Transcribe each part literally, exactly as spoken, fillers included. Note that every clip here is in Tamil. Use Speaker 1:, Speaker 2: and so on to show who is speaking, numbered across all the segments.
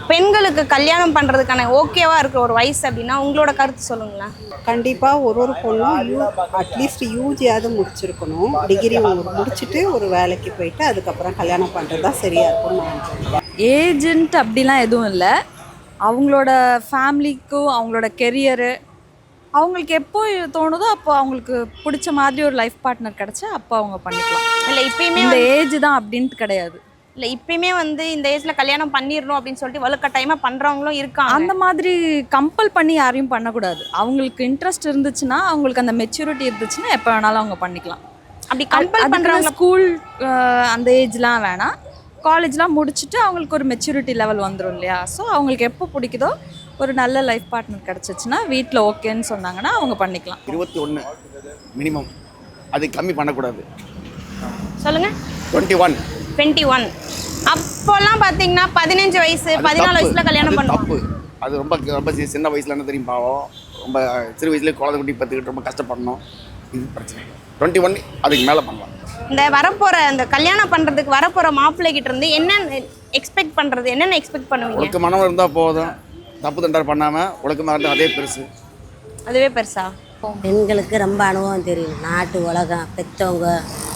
Speaker 1: பெண்களுக்கு கல்யாணம் பண்ணுறதுக்கான ஓகேவாக இருக்கிற ஒரு வயசு அப்படின்னா உங்களோட கருத்து சொல்லுங்களேன்.
Speaker 2: கண்டிப்பாக ஒரு ஒரு பொண்ணும் யூ அட்லீஸ்ட் யூஜியாவது முடிச்சிருக்கணும். டிகிரி முடிச்சுட்டு ஒரு வேலைக்கு போயிட்டு அதுக்கப்புறம் கல்யாணம் பண்ணுறது தான் சரியாக இருக்கும்னு நான் நினைக்கிறேன்.
Speaker 3: ஏஜென்ட் அப்படிலாம் எதுவும் இல்லை. அவங்களோட ஃபேமிலிக்கும் அவங்களோட கெரியரு அவங்களுக்கு எப்போ தோணுதோ அப்போ அவங்களுக்கு பிடிச்ச மாதிரி ஒரு லைஃப் பார்ட்னர் கிடச்சா அப்போ அவங்க பண்ணிக்கலாம்.
Speaker 1: இல்லை இப்பயுமே
Speaker 3: இந்த ஏஜ் தான் அப்படின்ட்டு கிடையாது.
Speaker 1: இல்லை இப்பயுமே வந்து இந்த ஏஜ்ல கல்யாணம் பண்ணிடணும் அப்படின்னு சொல்லிட்டு வலுக்கட்டாயமாக பண்ணுறவங்களும் இருக்காங்க.
Speaker 3: அந்த மாதிரி கம்பல் பண்ணி யாரையும் பண்ணக்கூடாது. அவங்களுக்கு இன்ட்ரெஸ்ட் இருந்துச்சுன்னா, அவங்களுக்கு அந்த மெச்சூரிட்டி இருந்துச்சுன்னா எப்போ வேணாலும் அவங்க பண்ணிக்கலாம்.
Speaker 1: அப்படி கம்பல் பண்ணுறவங்க
Speaker 3: ஸ்கூல் அந்த ஏஜ்லாம் வேணாம். காலேஜ்லாம் முடிச்சுட்டு அவங்களுக்கு ஒரு மெச்சூரிட்டி லெவல் வந்துடும் இல்லையா? ஸோ அவங்களுக்கு எப்போ பிடிக்குதோ ஒரு நல்ல லைஃப் பார்ட்னர் கிடச்சிச்சுன்னா வீட்டில் ஓகேன்னு சொன்னாங்கன்னா அவங்க பண்ணிக்கலாம்.
Speaker 4: இருபத்தி ஒன்று மினிமம், அது கம்மி பண்ணக்கூடாது.
Speaker 1: சொல்லுங்கள்.
Speaker 4: டுவெண்ட்டி ஒன்
Speaker 1: டுவெண்ட்டி ஒன் அப்போல்லாம் பார்த்தீங்கன்னா பதினஞ்சு வயசு பதினாலு வயசுல கல்யாணம் பண்ணுவாங்க.
Speaker 4: அது ரொம்ப ரொம்ப சின்ன வயசுல என்ன தெரியும் பாவம், ரொம்ப சிறு வயசுலேயே குழந்தை குட்டி பத்துக்கிட்டு ரொம்ப கஷ்டப்படணும். இது பிரச்சனை. டுவெண்ட்டி ஒன் அதுக்கு மேலே பண்ணலாம்.
Speaker 1: இந்த வரப்போகிற இந்த கல்யாணம் பண்ணுறதுக்கு வரப்போகிற மாப்பிள்ளை கிட்ட இருந்து என்னென்ன எக்ஸ்பெக்ட் பண்ணுறது, என்னென்ன எக்ஸ்பெக்ட் பண்ணுவீங்க?
Speaker 4: ஒழுக்கமானவன் இருந்தால் போதும், தப்பு தண்டர் பண்ணாமல் ஒழுக்கமாக இருந்தால் அதே பெருசு.
Speaker 1: அதுவே பெருசா?
Speaker 5: பெண்களுக்கு ரொம்ப அனுபவம் தெரியும். நாட்டு உலகம், பெற்றவங்க,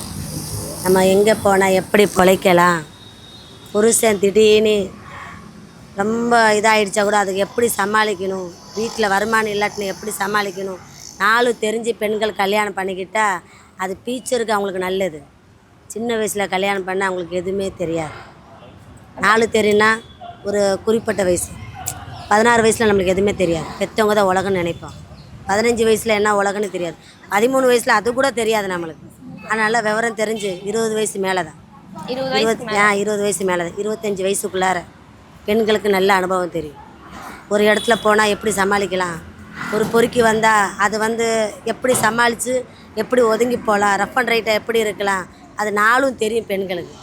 Speaker 5: நம்ம எங்கே போனால் எப்படி பிழைக்கலாம், புருஷன் திடீர்னு ரொம்ப இதாகிடுச்சா கூட அதுக்கு எப்படி சமாளிக்கணும், வீட்டில் வருமானம் இல்லாட்டினு எப்படி சமாளிக்கணும், நாலு தெரிஞ்சு பெண்கள் கல்யாணம் பண்ணிக்கிட்டால் அது ஃபியூச்சருக்கு அவங்களுக்கு நல்லது. சின்ன வயசில் கல்யாணம் பண்ணால் அவங்களுக்கு எதுவுமே தெரியாது. நாலு தெரியுன்னா ஒரு குறிப்பிட்ட வயசு, பதினாறு வயசில் நம்மளுக்கு எதுவுமே தெரியாது. பெற்றவங்க தான் உலகம்னு நினைப்போம். பதினஞ்சு வயசில் என்ன உலகம்னு தெரியாது. பதிமூணு வயசில் அது கூட தெரியாது நம்மளுக்கு. அதனால் விவரம் தெரிஞ்சு இருபது வயசு மேலே தான், இருபத்தி ஆ இருபது வயசு மேலே தான், இருபத்தஞ்சி வயசுக்குள்ளார பெண்களுக்கு நல்ல அனுபவம் தெரியும். ஒரு இடத்துல போனால் எப்படி சமாளிக்கலாம், ஒரு பொறுக்கி வந்தால் அது வந்து எப்படி சமாளித்து எப்படி ஒதுங்கி போகலாம், ரஃப் அண்ட் ரைட்டாக எப்படி இருக்கலாம், அது நாளும் தெரியும் பெண்களுக்கு.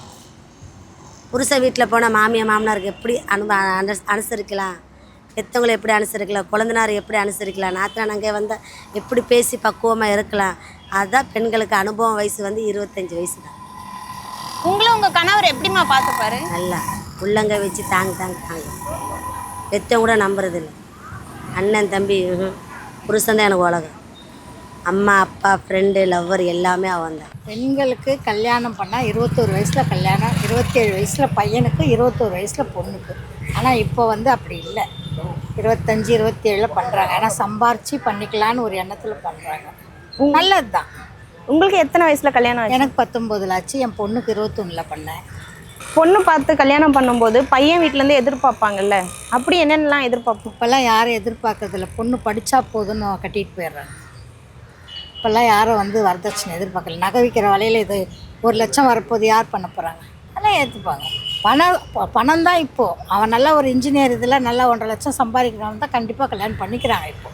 Speaker 5: புருஷ வீட்டில் போனால் மாமியார் மாமனாருக்கு எப்படி அனு அனு அனுசரிக்கலாம், பெற்றவங்களை எப்படி அனுசரிக்கலாம், குழந்தைனார் எப்படி அனுசரிக்கலாம், நாத்தனார் அங்கே வந்தால் எப்படி பேசி பக்குவமாக இருக்கலாம். அதுதான் பெண்களுக்கு அனுபவம். வயசு வந்து இருபத்தஞ்சி வயசு தான்.
Speaker 1: உங்களை உங்கள் கணவர் எப்படிமா பார்த்துப்பாரு?
Speaker 5: நல்லா உள்ளங்க வச்சு தாங்க தாங்க தாங்க. பெற்றவங்க கூட நம்புறதில்லை. அண்ணன் தம்பி புருஷன் தான் எனக்கு உலகம். அம்மா அப்பா ஃப்ரெண்டு லவ்வர் எல்லாமே அவன் தான்.
Speaker 6: பெண்களுக்கு கல்யாணம் பண்ணால் இருபத்தோரு வயசில் கல்யாணம், இருபத்தேழு வயசில் பையனுக்கு, இருபத்தோரு வயசில் பொண்ணுக்கு. ஆனால் இப்போ வந்து அப்படி இல்லை. இருபத்தஞ்சி இருபத்தேழில் பண்ணுறாங்க. ஆனால் சம்பாரித்து பண்ணிக்கலான்னு ஒரு எண்ணத்தில் பண்ணுறாங்க. நல்லது தான்.
Speaker 1: உங்களுக்கு எத்தனை வயசில் கல்யாணம் ஆச்சு?
Speaker 6: எனக்கு பத்தொம்போதுல ஆச்சு. என் பொண்ணுக்கு இருபத்தொன்னில் பண்ணேன்.
Speaker 1: பொண்ணு பார்த்து கல்யாணம் பண்ணும்போது பையன் வீட்டிலேருந்து எதிர்பார்ப்பாங்கல்ல, அப்படி என்னென்னலாம் எதிர்பார்ப்போம்?
Speaker 6: இப்போல்லாம் யாரும் எதிர்பார்க்கறதில்ல. பொண்ணு படித்தா போதுன்னு கட்டிட்டு போயிடுறாங்க. இப்போல்லாம் யாரும் வந்து வரதட்சணை எதிர்பார்க்கல. நகை விற்கிற வலையில் இது ஒரு லட்சம் வரப்போது யார் பண்ண போகிறாங்க? அதெல்லாம் ஏற்றுப்பாங்க. பணம் பணம் தான் இப்போது. அவன் நல்லா ஒரு இன்ஜினியர் இதில் நல்லா ஒன்றரை லட்சம் சம்பாதிக்கிறவன் தான் கண்டிப்பாக கல்யாணம் பண்ணிக்கிறாங்க இப்போது.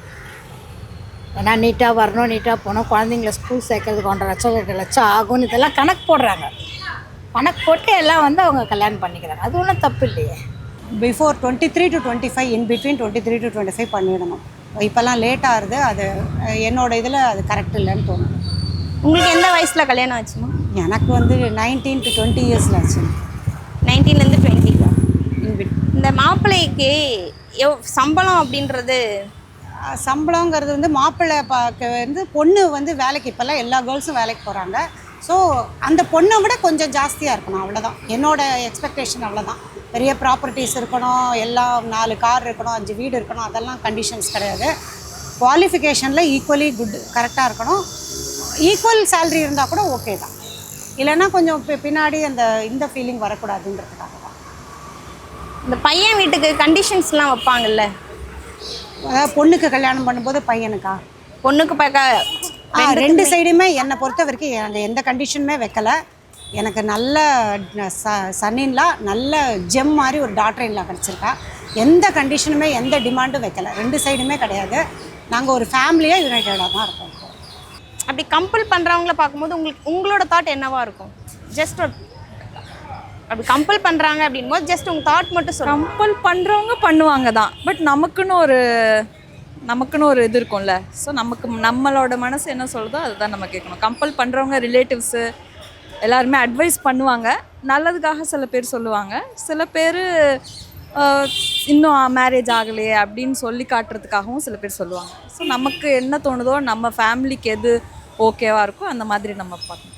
Speaker 6: ஏன்னா நீட்டாக வரணும், நீட்டாக போகணும், குழந்தைங்கள ஸ்கூல் சேர்க்கறதுக்கு ஒன்றரை லட்சம் ரெண்டு லட்சம் ஆகும்னு இதெல்லாம் கணக்கு போடுறாங்க. கணக்கு போட்டு எல்லாம் வந்து அவங்க கல்யாணம் பண்ணிக்கிறாங்க. அது ஒன்றும் தப்பு இல்லையே.
Speaker 2: Before twenty three to twenty five in between twenty three to twenty five பண்ணிடணும். இப்போல்லாம் லேட் ஆகுது. அது என்னோட இதில் அது கரெக்ட் இல்லைன்னு தோணும்.
Speaker 1: உங்களுக்கு எந்த வயசில் கல்யாணம் ஆச்சுமா?
Speaker 2: எனக்கு வந்து நைன்டீன் டு டுவெண்ட்டி இயர்ஸில் ஆச்சு.
Speaker 1: நைன்டீன்லேருந்து டுவெண்ட்டி தான். இந்த மாப்பிள்ளைக்கு எவ் சம்பளம் அப்படின்றது,
Speaker 2: சம்பளங்கிறது வந்து மாப்பிள்ளை பார்க்க வந்து பொண்ணு வந்து வேலைக்கு, இப்போல்லாம் எல்லா கேர்ள்ஸும் வேலைக்கு போகிறாங்க. ஸோ அந்த பொண்ணை விட கொஞ்சம் ஜாஸ்தியாக இருக்கணும், அவ்வளோதான் என்னோடய எக்ஸ்பெக்டேஷன். அவ்வளோதான். பெரிய ப்ராப்பர்ட்டிஸ் இருக்கணும், எல்லாம் நாலு கார் இருக்கணும், அஞ்சு வீடு இருக்கணும், அதெல்லாம் கண்டிஷன்ஸ் கிடையாது. குவாலிஃபிகேஷனில் ஈக்குவலி குட் கரெக்டாக இருக்கணும். ஈக்குவல் சேலரி இருந்தால் கூட ஓகே தான். இல்லைன்னா கொஞ்சம் பின்னாடி அந்த இந்த ஃபீலிங் வரக்கூடாதுன்றதுக்காக தான்.
Speaker 1: இந்த பையன் வீட்டுக்கு கண்டிஷன்ஸ்லாம் வைப்பாங்கல்ல,
Speaker 2: பொண்ணுக்கு கல்யாணம் பண்ணும்போது பையனுக்கா?
Speaker 1: பொண்ணுக்கு பார்க்க
Speaker 2: ரெண்டு சைடுமே என்னை பொறுத்த வரைக்கும் எனக்கு எந்த கண்டிஷனுமே வைக்கலை. எனக்கு நல்ல ச சன்னின்லா நல்ல ஜெம் மாதிரி ஒரு டாக்டர் இன்லா கிடச்சிருக்கா. எந்த கண்டிஷனுமே எந்த டிமாண்டும் வைக்கலை. ரெண்டு சைடுமே கிடையாது. நாங்கள் ஒரு ஃபேமிலியாக யுனைட்டடாக தான் இருக்கோம்.
Speaker 1: அப்படி கம்பல் பண்ணுறவங்கள பார்க்கும்போது உங்களுக்கு உங்களோட தாட் என்னவா இருக்கும்? ஜஸ்ட் அப்படி கம்பல் பண்ணுறாங்க அப்படின் போது ஜஸ்ட் உங்கள் தாட் மட்டும் சொல்லுங்கள்.
Speaker 3: கம்பல் பண்ணுறவங்க பண்ணுவாங்க தான். பட் நமக்குன்னு ஒரு நமக்குன்னு ஒரு இது இருக்கும்ல. ஸோ நமக்கு நம்மளோட மனசு என்ன சொல்லுதோ அதுதான் நம்ம கேட்கணும். கம்பல் பண்ணுறவங்க ரிலேட்டிவ்ஸு எல்லாருமே அட்வைஸ் பண்ணுவாங்க, நல்லதுக்காக சில பேர் சொல்லுவாங்க. சில பேர் ஆஹ் இன்னும் மேரேஜ் ஆகலையே அப்படின்னு சொல்லி காட்டுறதுக்காகவும் சில பேர் சொல்லுவாங்க. ஸோ நமக்கு என்ன தோணுதோ நம்ம ஃபேமிலிக்கு எது ஓகேவாக இருக்கோ அந்த மாதிரி நம்ம பார்க்கணும்.